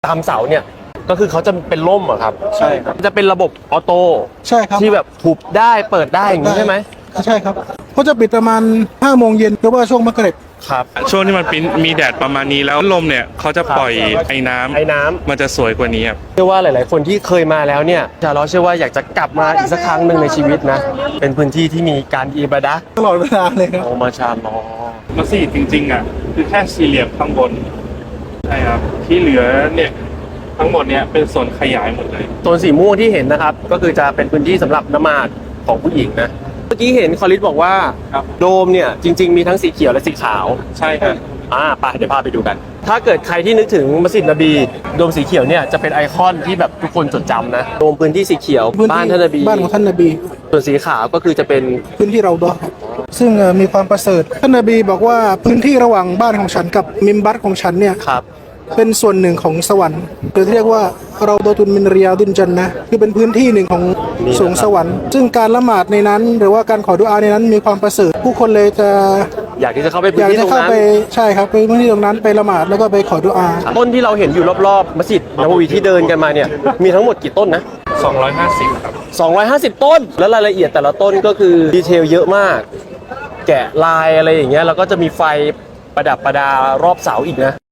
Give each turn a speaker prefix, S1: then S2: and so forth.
S1: ตามเสาเนี่ยก็คือเขาจะเป็นร่มอะครับ
S2: ใช่ครับ
S1: จะเป็นระบบออโต้
S2: ใช่ครับ
S1: ที่แบบหุบได้เปิดได้อย่างนี้ใช่ไหม
S2: ใช่ครับเขาจะปิดประมาณ5 โมงเย็นหรือว่าช่วงมักริบ
S1: ครับ
S3: ช่วงที่มันมีแดดประมาณนี้แล้วลมเนี่ยเขาจะปล่อยไอ้น้ำมันจะสวยกว่านี้ครับ
S1: เชื่อว่าหลาย ๆ คนที่เคยมาแล้วเนี่ยจะเราเชื่อว่าอยากจะกลับมาอีกสักครั้งหนึ่งในชีวิตนะเป็นพื้นที่ที่มีการอิบาดะห์
S2: ตลอดเวลาเลยครับ
S1: โอมาชาลอ
S3: มัสยิดจริงๆอ่ะคือแค่สี่เหลี่ยมข้างบนใช่ครับที่เหลือเนี่ยทั้งหมดเนี่ยเป็นส่วนขยายหมดเลย
S1: โซนสีม่วงที่เห็นนะครับก็คือจะเป็นพื้นที่สำหรับนมาดของผู้หญิงนะเมื่อกี้เห็นคอลิสบอกว่าโดมเนี่ยจริง ๆ มีทั้งสีเขียวและสีขาว
S3: ใช่ครับ
S1: ไปเดี๋ยวพาไปดูกันถ้าเกิดใครที่นึกถึงมัสยิดนบีโดมสีเขียวเนี่ยจะเป็นไอคอนที่แบบทุกคนจดจำนะโดมพื้นที่สีเขียวบ้านท่านนบี
S2: บ้านของท่านนบี
S1: ส่วนสีขาวก็คือจะเป็น
S2: พื้นที่เราดอซึ่งมีความประเสริฐท่านนบีบอกว่าพื้นที่ระหว่างบ้านของฉันกับมิมบัตของฉันเนี่ยเป็นส่วนหนึ่งของสวรรค์หรือที่เรียกว่าเราดอตุนมินเรียดินจันนะคือเป็นพื้นที่หนึ่งของสวงสวรรค์ซึ่งการละหมาดในนั้นหรือว่าการขอดุอาในนั้นมีความประเสริฐผู้คนเลยจะ
S1: อยากที่จะเข้าไปพื้นที่ตรงนั้น
S2: ใช่ครับไปพื้นที่ตรงนั้นไปละหมาดแล้วก็ไปขอดุอา
S1: ต้นที่เราเห็นอยู่รอบๆมัสยิดนบวีที่เดินกันมาเนี่ยมีทั้งหมดกี่ต้นนะ
S3: 250ครับ
S1: 250ต้นแล้วรายละเอียดแต่ละต้นก็คือดีเทลเยอะมากแกะลายอะไรอย่างเงี้ยแล้วก็จะมีไฟประดับประดารอบเสาอีกนะ